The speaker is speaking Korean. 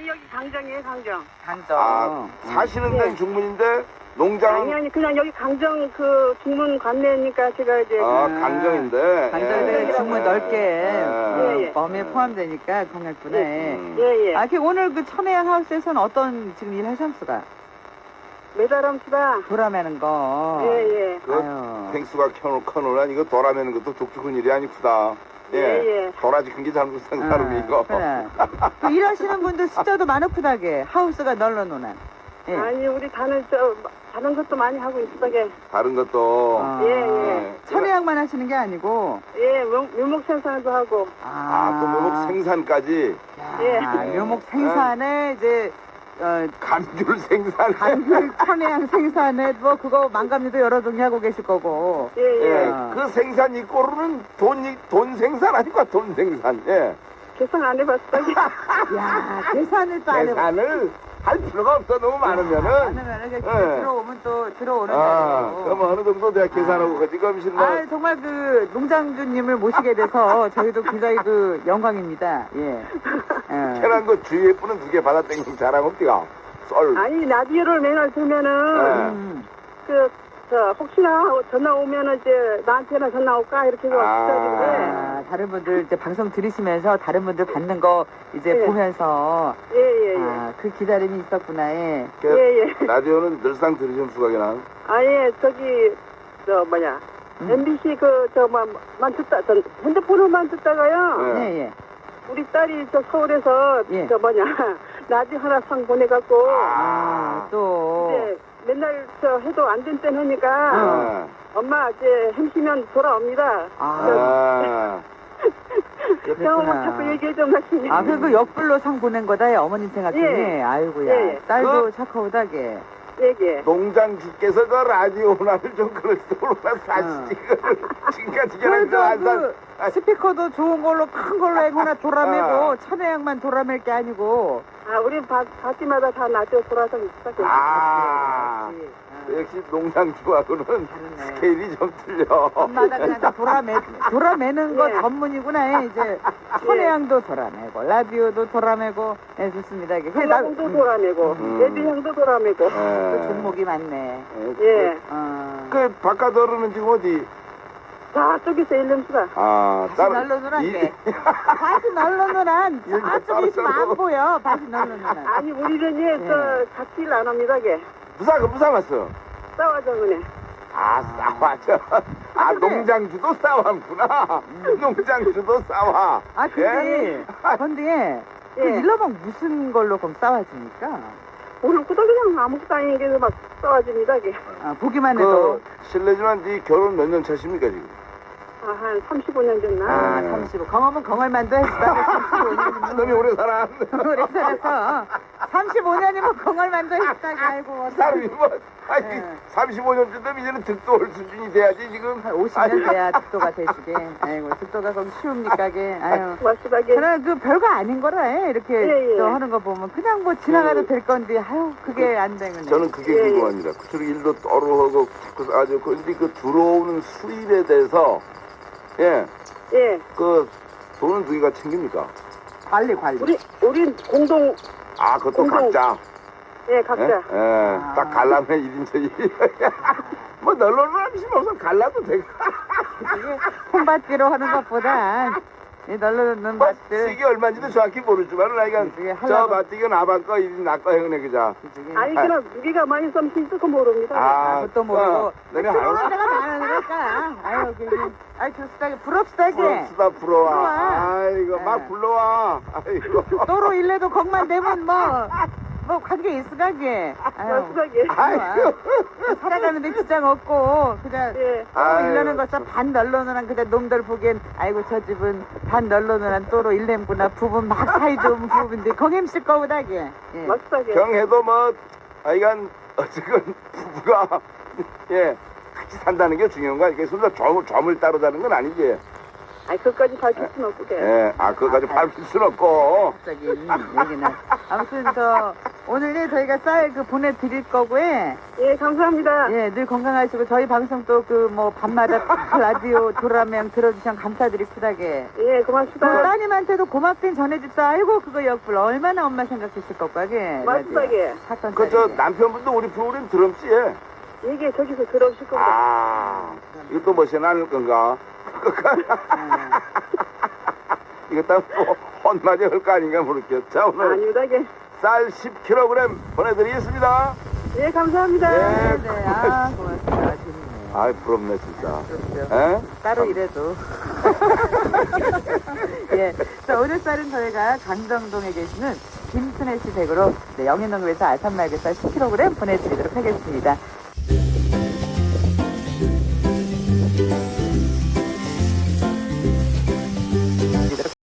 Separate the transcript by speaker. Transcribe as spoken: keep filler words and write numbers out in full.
Speaker 1: 아니 여기 강정이에요 강정.
Speaker 2: 강정.
Speaker 3: 아, 사시는 데는
Speaker 1: 네.
Speaker 3: 중문인데 농장은
Speaker 1: 아니 아니 그냥 여기 강정 그 중문 관내니까 제가 이제
Speaker 3: 아,
Speaker 2: 그-
Speaker 3: 강정인데.
Speaker 2: 강정에
Speaker 1: 예.
Speaker 2: 중문 넓게
Speaker 3: 예.
Speaker 2: 어,
Speaker 1: 예, 예.
Speaker 2: 범위에 포함되니까 공약분에.
Speaker 3: 음.
Speaker 1: 예예.
Speaker 2: 아, 그 오늘 그 천혜향 하우스에서는 어떤 지금 일 하셨수가?
Speaker 1: 메다람치다.
Speaker 2: 돌아매는 거.
Speaker 1: 예예.
Speaker 3: 그
Speaker 2: 아유.
Speaker 3: 탱수가 켜놓, 켜놓으란 이거 돌아매는 것도 독특한 일이 아니구다. 예.
Speaker 1: 예, 예.
Speaker 3: 도라지 큰 게 잘못된 사람이 이거.
Speaker 2: 그래. 그 일하시는 분들 숫자도 많으구다게 하우스가 널널노나. 예.
Speaker 1: 아니 우리 다른 저 다른 것도 많이 하고 있어게.
Speaker 3: 다른 것도.
Speaker 2: 아,
Speaker 1: 예, 예.
Speaker 2: 천혜향만 하시는 게 아니고.
Speaker 1: 예 묘- 묘목 생산도 하고.
Speaker 3: 아, 또 묘목 생산까지.
Speaker 2: 야,
Speaker 1: 예.
Speaker 2: 묘목 생산에 이제 어,
Speaker 3: 감귤 생산.
Speaker 2: 감귤 천혜향 생산에 뭐 그거 망감리도 여러 종류 하고 계실 거고.
Speaker 1: 예예.
Speaker 3: 예.
Speaker 2: 아.
Speaker 3: 그 생산 이꼬르는 돈, 이- 돈 생산 아니까 돈 생산. 예.
Speaker 1: 계산 안 해봤어게.
Speaker 2: 야, 계산을 또 안 해보.
Speaker 3: 계산을 할 필요가 없어. 너무 많으면은.
Speaker 2: 많으면은 이제
Speaker 3: 예.
Speaker 2: 들어오면 또 들어오는
Speaker 3: 아,
Speaker 2: 대로.
Speaker 3: 그럼 어느 정도 내가 계산하고 가지. 그럼
Speaker 2: 아,
Speaker 3: 신나.
Speaker 2: 정말 그 농장주님을 모시게 돼서 저희도 굉장히 그 영광입니다. 예. 예.
Speaker 3: 캐난 거 주위에 뿌는 두 개 받아당기면 자랑 없디가. 썰.
Speaker 1: 아니 라디오를 맨날 들면은
Speaker 3: 예.
Speaker 2: 음.
Speaker 1: 그 저 혹시나 전화 오면은 이제 나한테나 전화 올까 이렇게 해서
Speaker 3: 아.
Speaker 1: 기다리는데.
Speaker 2: 아, 다른 분들 이제 방송 들으시면서 다른 분들 받는 거 이제
Speaker 1: 예.
Speaker 2: 보면서
Speaker 1: 예예예.
Speaker 2: 아, 그 기다림이 있었구나. 예.
Speaker 3: 그
Speaker 1: 예예.
Speaker 3: 라디오는 늘상 들으시면 수각이나.
Speaker 1: 아예 저기 저 뭐냐
Speaker 2: 음.
Speaker 1: 엠비씨 그 저만 듣다 전 핸드폰으로만 듣다가요.
Speaker 3: 네.
Speaker 2: 예, 예.
Speaker 1: 우리 딸이 저 서울에서
Speaker 2: 예.
Speaker 1: 저 뭐냐 라디오 하나 상 보내갖고
Speaker 2: 아, 또.
Speaker 1: 이제 맨날 저 해도 안 된 땐 하니까
Speaker 3: 아.
Speaker 1: 엄마 이제 햄시면 돌아옵니다.
Speaker 2: 아.
Speaker 3: 아.
Speaker 1: 형은 자꾸 얘기해 좀 하시니.
Speaker 2: 아, 그, 그 역불로 상 보낸 거다, 예, 어머님 생각해.
Speaker 1: 예.
Speaker 2: 아이고야.
Speaker 1: 예.
Speaker 2: 딸도
Speaker 3: 그-
Speaker 2: 착하다게.
Speaker 1: 얘기해.
Speaker 3: 농장 주께서 그 라디오 나를 좀 그럴지도 몰라 사실 그걸 지금까지 걔랑
Speaker 2: 그래도
Speaker 3: 안 산.
Speaker 2: 그 스피커도 좋은 걸로 큰 걸로 해거나 돌아매고
Speaker 3: 아.
Speaker 2: 천혜향만 돌아맬 게 아니고.
Speaker 1: 아 우리 바, 바지마다 다 라디오 돌아서 있어.
Speaker 3: 아. 역시 농장주하고는
Speaker 2: 다르네.
Speaker 3: 스케일이 좀 틀려.
Speaker 2: 엄마다 그냥 다 돌아매, 돌아매는 거
Speaker 1: 예.
Speaker 2: 전문이구나. 이제 천혜향도 돌아매고 라디오도 돌아매고. 예, 좋습니다. 이게 나-
Speaker 1: 한국도
Speaker 2: 음,
Speaker 1: 돌아내고
Speaker 3: 음.
Speaker 1: 예비향도 돌아내고.
Speaker 2: 또
Speaker 3: 예.
Speaker 2: 종목이 많네.
Speaker 1: 예.
Speaker 2: 어.
Speaker 3: 그 바깥 어른은 지금 어디?
Speaker 1: 저쪽에서 일름수가.
Speaker 3: 아,
Speaker 2: 다시 널러누란 게. 다시 널러누란. 저쪽에 있으면 안 보여. 다시 널러누란.
Speaker 1: 아니 우리는
Speaker 2: 예.
Speaker 1: 예저 같이를 안 합니다. 게
Speaker 3: 부사 그 부사 왔어.
Speaker 1: 싸워줘 그네.
Speaker 3: 아 싸워죠. 아
Speaker 2: 근데-
Speaker 3: 농장주도 싸웠구나. 농장주도 싸워.
Speaker 2: 아, 근데,
Speaker 3: 예?
Speaker 2: 근데, 그
Speaker 1: 예.
Speaker 2: 일러방 무슨 걸로 그럼 싸워집니까?
Speaker 1: 오늘 꾸덕 그냥 아무것도 아닌 게서 막 싸워집니다. 게.
Speaker 2: 아, 보기만 해도.
Speaker 3: 그 실례지만 네 결혼 몇 년 차십니까 지금?
Speaker 1: 아, 한 삼십오 년 됐나?
Speaker 2: 아,
Speaker 3: 네.
Speaker 2: 삼십오. 경험은 경험만도 했다고 삼십오 년이면.
Speaker 3: 너무 오래 살아.
Speaker 2: 오래 살아서. 삼십오 년이면 경험만도 했다고. 아이고,
Speaker 3: 사람이 뭐, 아니,
Speaker 2: 네.
Speaker 3: 삼십오 년쯤 되면 이제는 득도 올 수준이 돼야지, 지금.
Speaker 2: 한 오십 년 돼야 득도가 돼주게. 아이고, 득도가 그럼 쉬웁니까, 게. 아유.
Speaker 1: 고맙습하게.
Speaker 2: 그냥 그 별거 아닌 거라, 해. 이렇게
Speaker 1: 예, 예.
Speaker 2: 또 하는 거 보면. 그냥 뭐 지나가도
Speaker 3: 그-
Speaker 2: 될 건데, 아유, 그게 안 되는.
Speaker 3: 저는 그게
Speaker 1: 예, 예.
Speaker 3: 궁금합니다. 그쪽 일도 떠오르고, 자꾸 아주, 근데 그 들어오는 수입에 대해서, 예,
Speaker 1: 예.
Speaker 3: 그, 돈은 누가 챙깁니까?
Speaker 2: 관리, 관리.
Speaker 1: 우리, 우린 공동,
Speaker 3: 아, 그것도
Speaker 1: 공동.
Speaker 3: 각자.
Speaker 1: 예,
Speaker 3: 예?
Speaker 1: 각자.
Speaker 3: 예,
Speaker 2: 아.
Speaker 3: 딱 갈라면 일 인처 일. 뭐, 널널한 하시면 없어. 갈라도 되고.
Speaker 2: 이게 콩밭지로 하는 것보다, 이 널러놓는
Speaker 3: 뭐,
Speaker 2: 밭들.
Speaker 3: 이게 얼마인지도 정확히 모르지만, 나이가,
Speaker 2: 이게
Speaker 3: 저
Speaker 2: 하려고-
Speaker 3: 밭, 이거 나밭 거, 일 인 나거 해그네, 그자.
Speaker 1: 아니, 그럼 무게가 많이 있으면 실수도 모릅니다.
Speaker 2: 아, 그것도 모르고.
Speaker 3: 어, 너네
Speaker 2: 들어오는
Speaker 3: 알아?
Speaker 2: 데가 많으니까. 아유, 그, 아유, 좋스다게, 부럽스다게.
Speaker 3: 부럽다, 부러워.
Speaker 2: 부러워.
Speaker 3: 아이고, 막
Speaker 2: 예.
Speaker 3: 불러와. 아이고.
Speaker 2: 또로 일래도 걱만 되면 뭐, 뭐 관계 있으가게. 아유,
Speaker 1: 고맙습하게.
Speaker 3: 아이고.
Speaker 2: 살아가는데 지장 없고, 그냥,
Speaker 1: 예.
Speaker 2: 또로
Speaker 3: 아유,
Speaker 2: 일러는 것은 반 널러놓은 그냥 놈들 보기엔, 아이고, 저 집은 반 널러놓은 또로 일렘구나. 부분 막 사이 좋은 부부인데, 거김실 거보다게. 예.
Speaker 1: 고맙습하게.
Speaker 3: 경해도 뭐, 하여간, 어쨌건, 부부가, 예, 같이 산다는 게 중요한 거야. 이게 순서 점을, 점을 따로 자는 건 아니지.
Speaker 1: 아니, 그것까지 밝힐 순 없게.
Speaker 3: 예, 아, 그거까지 밟힐 순 없고.
Speaker 2: 갑자기 이 얘기는. 아무튼 저 오늘 저희가 쌀 그 보내드릴 거고요.
Speaker 1: 예, 감사합니다.
Speaker 2: 예, 늘 건강하시고 저희 방송 또 그 뭐 밤마다 라디오 도라명 들어주시면 감사드립니다게.
Speaker 1: 예,
Speaker 2: 그
Speaker 1: 고맙습니다.
Speaker 2: 따님한테도 고맙긴 전해줍사. 아이고 그거 역불 얼마나 엄마 생각했을 것까게.
Speaker 1: 맞습니다게.
Speaker 2: 사건
Speaker 3: 그 저
Speaker 2: 쌀이게.
Speaker 3: 남편분도 우리 프로그램 들었지예.
Speaker 1: 이게 저기서 들어오실 겁니다.
Speaker 3: 아, 이거 또 멋이 나는 건가? 이거 딱뭐 혼마저 할 거 아닌가 모르겠죠. 자, 오늘
Speaker 1: 아니다게.
Speaker 3: 쌀 십 킬로그램 보내드리겠습니다.
Speaker 1: 예, 감사합니다.
Speaker 3: 예.
Speaker 2: 네, 아 고맙습니다. 재밌네요.
Speaker 3: 아이, 부럽네, 진짜.
Speaker 2: 그렇죠.
Speaker 3: 에?
Speaker 2: 따로 이래도. 예. 자, 오늘 쌀은 저희가 강정동에 계시는 김순애 씨 댁으로 네, 영인농협에서 알산말개쌀 십 킬로그램 보내드리도록 하겠습니다.